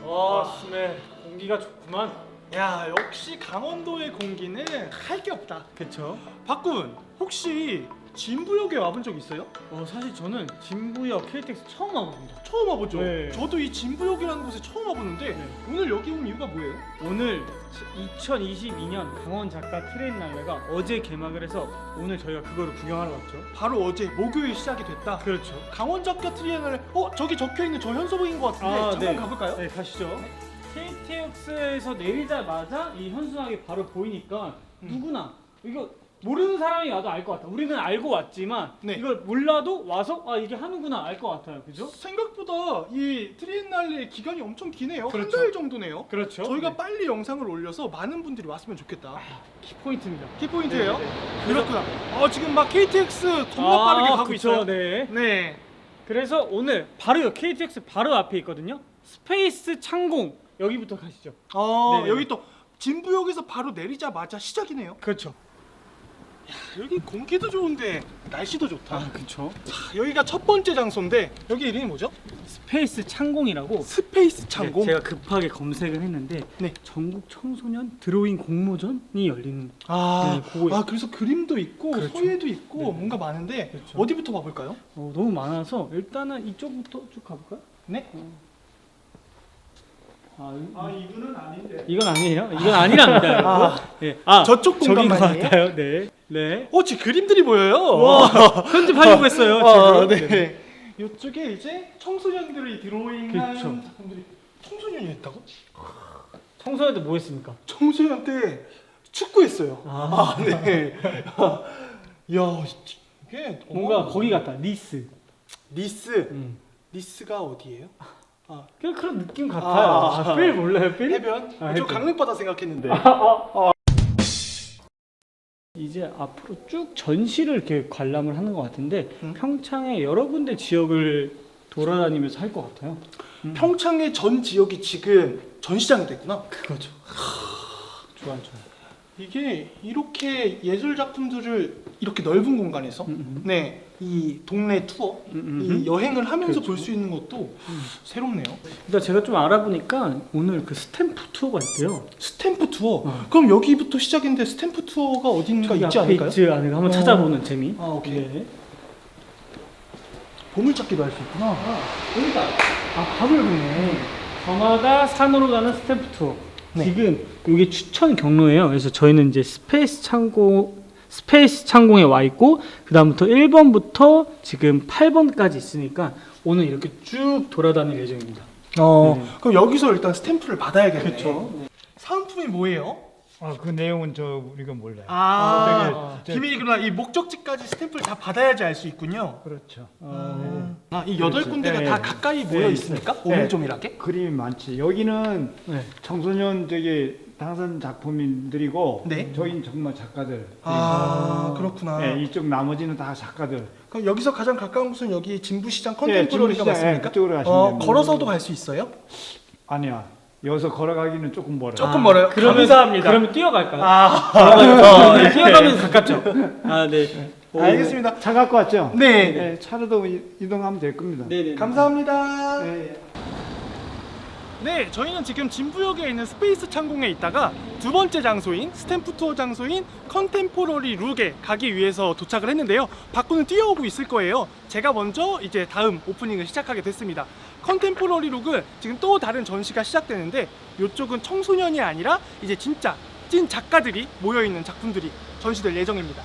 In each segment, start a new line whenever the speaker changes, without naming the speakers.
스멜 공기가 좋구만.
야, 역시 강원도의 공기는 할 게 없다.
그쵸?
박군, 혹시 진부역에 와본 적 있어요?
사실 저는 진부역 KTX 처음 와봅니다.
처음 와보죠.
네.
저도 이 진부역이라는 곳에 처음 와보는데
네.
오늘 여기 온 이유가 뭐예요?
오늘 2022년 강원 작가 트레인 날레가 어제 개막을 해서 오늘 저희가 그거를 구경하러 왔죠.
바로 어제 목요일 시작이 됐다.
그렇죠.
강원 작가 트리에널 저기 적혀 있는 저 현수막인 것 같은데 잠깐 가볼까요?
네, 가시죠. KTX에서 내리자마자 이 현수막이 바로 보이니까 누구나 이거 모르는 사람이 와도 알 것 같아. 우리는 알고 왔지만
네.
이걸 몰라도 와서 이게 하는구나 알 것 같아요. 그죠?
생각보다 이 트리엔날레 기간이 엄청 기네요.
그렇죠.
한 달 정도네요.
그렇죠.
저희가
네.
빨리 영상을 올려서 많은 분들이 왔으면 좋겠다.
키포인트입니다.
키포인트예요?
네, 네.
그렇구나. 지금 막 KTX 존나 빠르게 가고
그쵸,
있어요.
네.
네.
그래서 오늘 바로 KTX 바로 앞에 있거든요. 스페이스 창공 여기부터 가시죠. 네네.
여기 또 진부역에서 바로 내리자마자 시작이네요.
그렇죠.
여기 공기도 좋은데 날씨도 좋다.
그렇죠.
여기가 첫 번째 장소인데 여기 이름이 뭐죠?
스페이스 창공이라고.
스페이스 창공.
제가 급하게 검색을 했는데
네.
전국 청소년 드로잉 공모전이 열리는.
그래서 그림도 있고
그렇죠.
서예도 있고
네네.
뭔가 많은데
그렇죠.
어디부터 봐볼까요?
너무 많아서 일단은 이쪽부터 쭉 가볼까요?
네.
이거는 아닌데. 이건 아니에요? 이건 아니랍니다. 여러분. 네.
저쪽
저긴 것
공간만이에요?
같아요. 네. 네.
지금 그림들이 보여요.
와, 편집하려고 했어요. 지금.
네. 이쪽에 이제 청소년들이 드로잉한
그쵸.
작품들이 청소년이 했다고?
청소년들 뭐 했습니까?
청소년 때 축구했어요. 네. 야, 이게
뭔가 거기 같다. 니스.
니스. 니스가 어디예요?
그런 느낌 같아요. 필 몰라요, 필?
해변? 저
해변.
강릉바다 생각했는데.
이제 앞으로 쭉 전시를 이렇게 관람을 하는 것 같은데 평창의 여러 군데 지역을 돌아다니면서 할 것 같아요.
평창의 전 지역이 지금 전시장이 됐구나.
그거죠. 좋아요.
이게 이렇게 예술 작품들을 이렇게 넓은 공간에서 네, 이 동네 투어, 이 여행을 하면서
그렇죠.
볼 수 있는 것도 새롭네요.
일단 제가 좀 알아보니까 오늘 그 스탬프 투어가 있대요.
스탬프 투어. 그럼 여기부터 시작인데 스탬프 투어가 어딘가 있지
앞에
않을까요?
있지 않을까 한번 찾아보는 재미.
오케이.
네.
보물찾기도 할 수 있구나.
그러니까 밥을 보네. 저마다 산으로 가는 스탬프 투어.
네.
지금 이게 추천 경로예요. 그래서 저희는 이제 스페이스 창공에 와 있고 그다음부터 1번부터 지금 8번까지 있으니까 오늘 이렇게 쭉 돌아다닐 예정입니다.
그럼 여기서 일단 스탬프를 받아야겠네.
그렇죠.
사은품이 뭐예요?
그 내용은 우리가 몰라요.
비밀이구나. 이 목적지까지 스탬프를 다 받아야지 알 수 있군요.
그렇죠.
이 8군데가
네.
다 가까이 모여 있습니까? 오밀조밀하게?
그림이 많지. 여기는
네.
청소년 당선 작품인들이고
네.
저긴 정말 작가들.
그렇구나.
네, 이쪽 나머지는 다 작가들.
그럼 여기서 가장 가까운 곳은 여기 진부시장 컨템포러리가
진부시장,
맞습니까?
그쪽으로 가시면 됩니다.
걸어서도 갈 수 있어요?
아니야. 여기서 걸어가기는 조금 멀어요.
조금 멀어요? 감사합니다.
그러면 뛰어갈까요? 뛰어가면 가깝죠. 네.
알겠습니다.
차 갖고 왔죠?
네.
차로도 이동하면 될 겁니다.
네네.
감사합니다. 네, 저희는 지금 진부역에 있는 스페이스 창공에 있다가 두 번째 장소인 스탬프 투어 장소인 컨템포러리 룩에 가기 위해서 도착을 했는데요. 박구는 뛰어오고 있을 거예요. 제가 먼저 이제 다음 오프닝을 시작하게 됐습니다. 컨템포러리 룩은 지금 또 다른 전시가 시작되는데 이쪽은 청소년이 아니라 이제 진짜 찐 작가들이 모여있는 작품들이 전시될 예정입니다.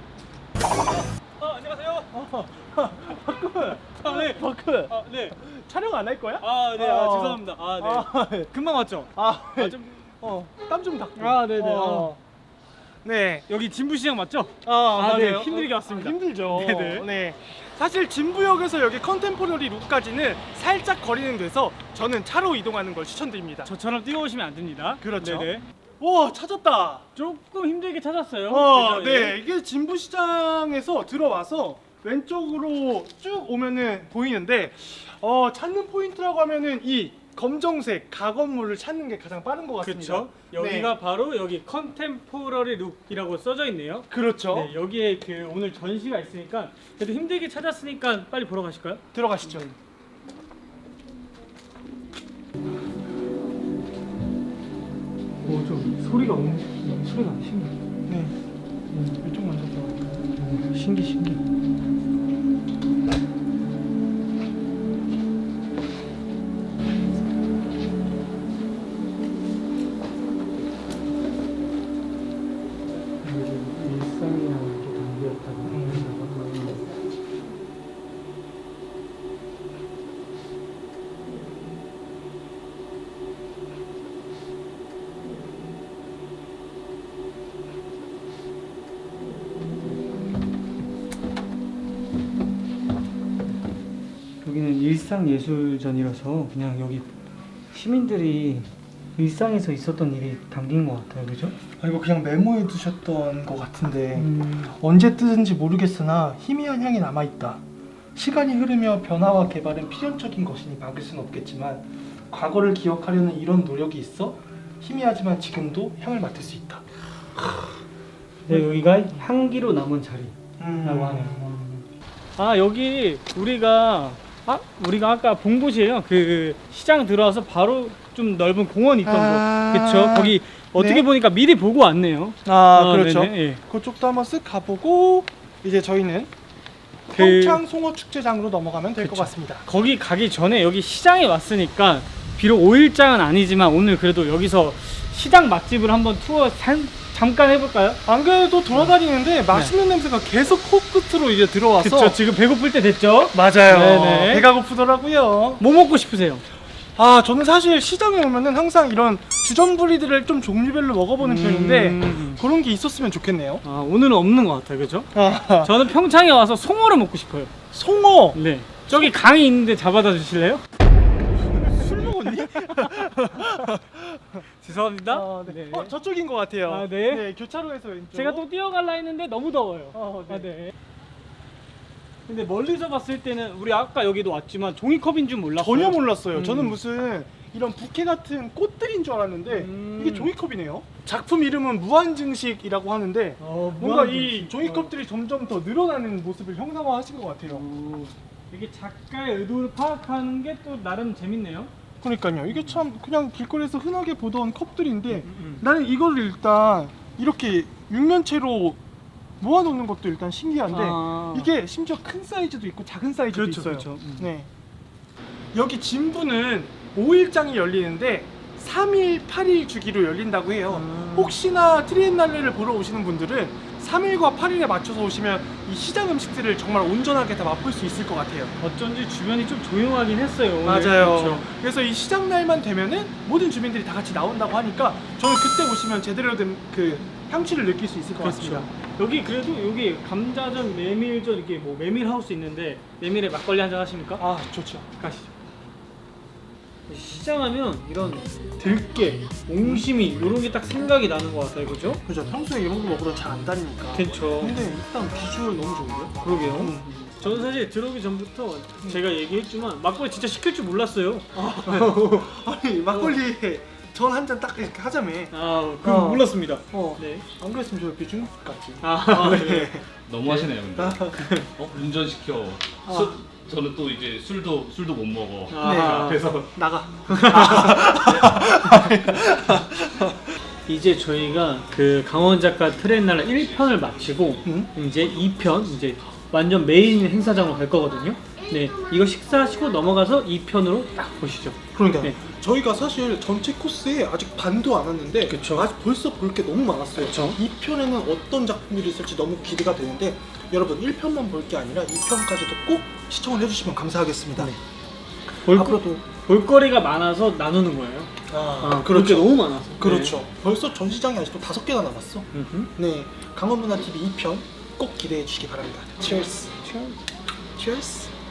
안녕하세요. 박군. 네. 박군. 네. 촬영 안 할 거야?
네. 죄송합니다. 네. 금방 왔죠?
땀 좀 닦고.
네네.
네.
여기 진부시장 맞죠?
맞아요.
힘들게 왔습니다.
힘들죠.
네네.
네. 사실 진부역에서 여기 컨템포러리 룩까지는 살짝 거리는 돼서 저는 차로 이동하는 걸 추천드립니다.
저처럼 뛰어오시면 안 됩니다.
그렇죠.
네네.
와, 찾았다.
조금 힘들게 찾았어요. 그죠?
네. 이게 진부시장에서 들어와서 왼쪽으로 쭉 오면은 보이는데 찾는 포인트라고 하면은 이 검정색 가건물을 찾는 게 가장 빠른 것 같습니다.
그렇죠. 여기가 바로 여기 컨템포러리 룩이라고 써져 있네요.
그렇죠.
네, 여기에 그 오늘 전시가 있으니까 그래도 힘들게 찾았으니까 빨리 보러 가실까요?
들어가시죠.
좀 소리가 신기해.
네. 이쪽 먼저 들어갈까요?
신기. 일상이랑 이렇게 담겼다고. 여기는 일상예술전이라서 그냥 여기 시민들이 일상에서 있었던 일이 담긴 것 같아요, 그죠?
아, 이거 그냥 메모해 두셨던 것 같은데 언제 뜨는지 모르겠으나 희미한 향이 남아있다. 시간이 흐르며 변화와 개발은 필연적인 것이니 막을 수는 없겠지만 과거를 기억하려는 이런 노력이 있어 희미하지만 지금도 향을 맡을 수 있다.
네, 여기가 향기로 남은 자리라고 하네요. 아, 여기 우리가 아까 본 곳이에요. 그 시장 들어와서 바로 좀 넓은 공원이 있던 곳. 그렇죠. 거기 어떻게
네.
보니까 미리 보고 왔네요.
그렇죠.
네네, 예.
그쪽도 한번 쓱 가보고 이제 저희는
그-
평창 송어 축제장으로 넘어가면 될 것 같습니다.
거기 가기 전에 여기 시장에 왔으니까 비록 5일장은 아니지만 오늘 그래도 여기서 시장 맛집을 한번 투어 잠깐 해볼까요?
안 그래도 돌아다니는데 맛있는 냄새가 계속 코끝으로 이제 들어와서
그렇죠. 지금 배고플 때 됐죠?
맞아요.
네네.
배가 고프더라고요.
뭐 먹고 싶으세요?
저는 사실 시장에 오면은 항상 이런 주전부리들을 좀 종류별로 먹어보는 편인데 그런 게 있었으면 좋겠네요.
오늘은 없는 것 같아요, 그죠?
아,
저는 평창에 와서 송어를 먹고 싶어요.
송어.
네. 저기 강이 있는데 잡아다 주실래요?
술 먹었니?
죄송합니다.
네. 저쪽인 것 같아요.
네.
교차로에서 왼쪽.
제가 또 뛰어갈라 했는데 너무 더워요.
네.
네. 근데 멀리서 봤을 때는 우리 아까 여기도 왔지만 종이컵인 줄 몰랐어요.
전혀 몰랐어요.
음.
저는 무슨 이런 부케 같은 꽃들인 줄 알았는데 이게 종이컵이네요. 작품 이름은 무한증식이라고 하는데 뭔가 이 종이컵들이 점점 더 늘어나는 모습을 형상화하신 것 같아요.
이게 작가의 의도를 파악하는 게 또 나름 재밌네요.
그러니까요. 이게 참 그냥 길거리에서 흔하게 보던 컵들인데 나는 이거를 일단 이렇게 육면체로 모아놓는 것도 일단 신기한데 이게 심지어 큰 사이즈도 있고 작은 사이즈도
그렇죠,
있어요.
그렇죠.
네. 여기 진부는 5일장이 열리는데 3일, 8일 주기로 열린다고 해요. 혹시나 트리엔날레를 보러 오시는 분들은 3일과 8일에 맞춰서 오시면 이 시장 음식들을 정말 온전하게 다 맛볼 수 있을 것 같아요.
어쩐지 주변이 좀 조용하긴 했어요. 오늘.
맞아요.
그렇죠.
그래서 이 시장 날만 되면은 모든 주민들이 다 같이 나온다고 하니까 저는 그때 오시면 제대로 된 그 향취를 느낄 수 있을 것 같습니다.
여기 그래도 여기 감자전, 메밀전 이렇게 뭐 메밀 하우스 있는데 메밀에 막걸리 한잔 하십니까?
좋죠.
가시죠. 시장하면 이런 들깨, 옹심이 이런 게 딱 생각이 나는 것 같아요, 그죠?
그죠. 평소에 이런 거 먹으러 잘 안 다니니까.
그렇죠.
근데 일단 비주얼 너무 좋은데요?
그러게요. 저는 사실 들어오기 전부터 제가 얘기했지만 막걸리 진짜 시킬 줄 몰랐어요.
아니 막걸리 전 한 잔 딱 이렇게 하자며.
그건 몰랐습니다.
네. 안 그랬으면 저 옆에 중국 같지.
네.
너무 하시네요, 근데. 운전시켜. 저는 또 이제 술도 못 먹어.
네.
앞에서
나가.
이제 저희가 그 강원 작가 트렌날라 1편을 마치고 이제 2편 이제 완전 메인 행사장으로 갈 거거든요. 네, 이거 식사하시고 넘어가서 2편으로 딱 보시죠.
그러니까
네.
저희가 사실 전체 코스에 아직 반도 안 왔는데
그쵸.
아직 벌써 볼 게 너무 많았어요.
그쵸.
2편에는 어떤 작품들이 있을지 너무 기대가 되는데 여러분 1편만 볼 게 아니라 2편까지도 꼭 시청을 해주시면 감사하겠습니다. 앞으로도
볼거리가 많아서 나누는 거예요. 볼 게 너무 많아서.
그렇죠. 벌써 전시장이 아직도 5개나 남았어.
네.
네, 강원문화TV 2편 꼭 기대해 주시기 바랍니다. Cheers. Cheers.